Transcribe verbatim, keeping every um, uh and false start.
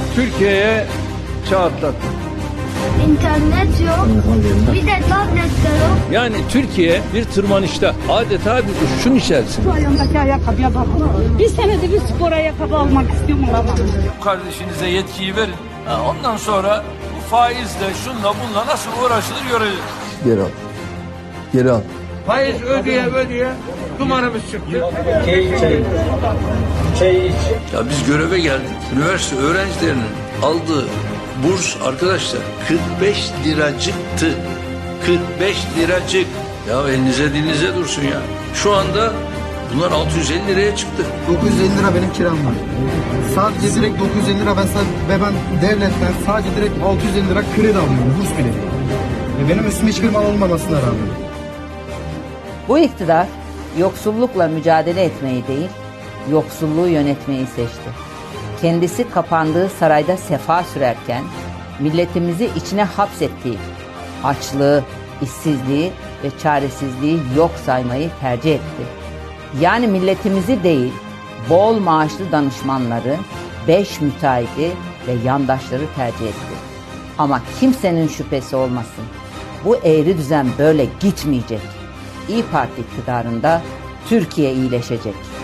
Türkiye'ye çağ atlattı. İnternet yok, bir de tablet de yok. Yani Türkiye bir tırmanışta, adeta bir uçuşun içerisinde. Şu ayağımdaki ayakkabıya bak. Bir senedir bir spor ayakkabı almak istiyorum ama. Kardeşinize yetkiyi verin. Ha, ondan sonra bu faizle, şunla bunla nasıl uğraşılır göreceğiz. Geri al. Geri al. Faiz ödeye ödeye dumanımız çıktı. Ya biz göreve geldik. Üniversite öğrencilerinin aldığı burs arkadaşlar kırk beş liracıktı. kırk beş liracık. Ya elinize dilinize dursun ya. Şu anda bunlar altı yüz elli liraya çıktı. dokuz yüz elli lira benim kiram var. Sadece direkt dokuz yüz elli lira ben, ve ben devletten sadece direkt altı yüz elli lira kredi alıyorum. Burs bile değil. Ve benim üstüme hiçbir mal olmamasına rağmen. Bu iktidar yoksullukla mücadele etmeyi değil, yoksulluğu yönetmeyi seçti. Kendisi kapandığı sarayda sefa sürerken milletimizi içine hapsettiği açlığı, işsizliği ve çaresizliği yok saymayı tercih etti. Yani milletimizi değil, bol maaşlı danışmanları, beş müteahhidi ve yandaşları tercih etti. Ama kimsenin şüphesi olmasın, bu eğri düzen böyle gitmeyecek. İYİ Parti iktidarında Türkiye iyileşecek.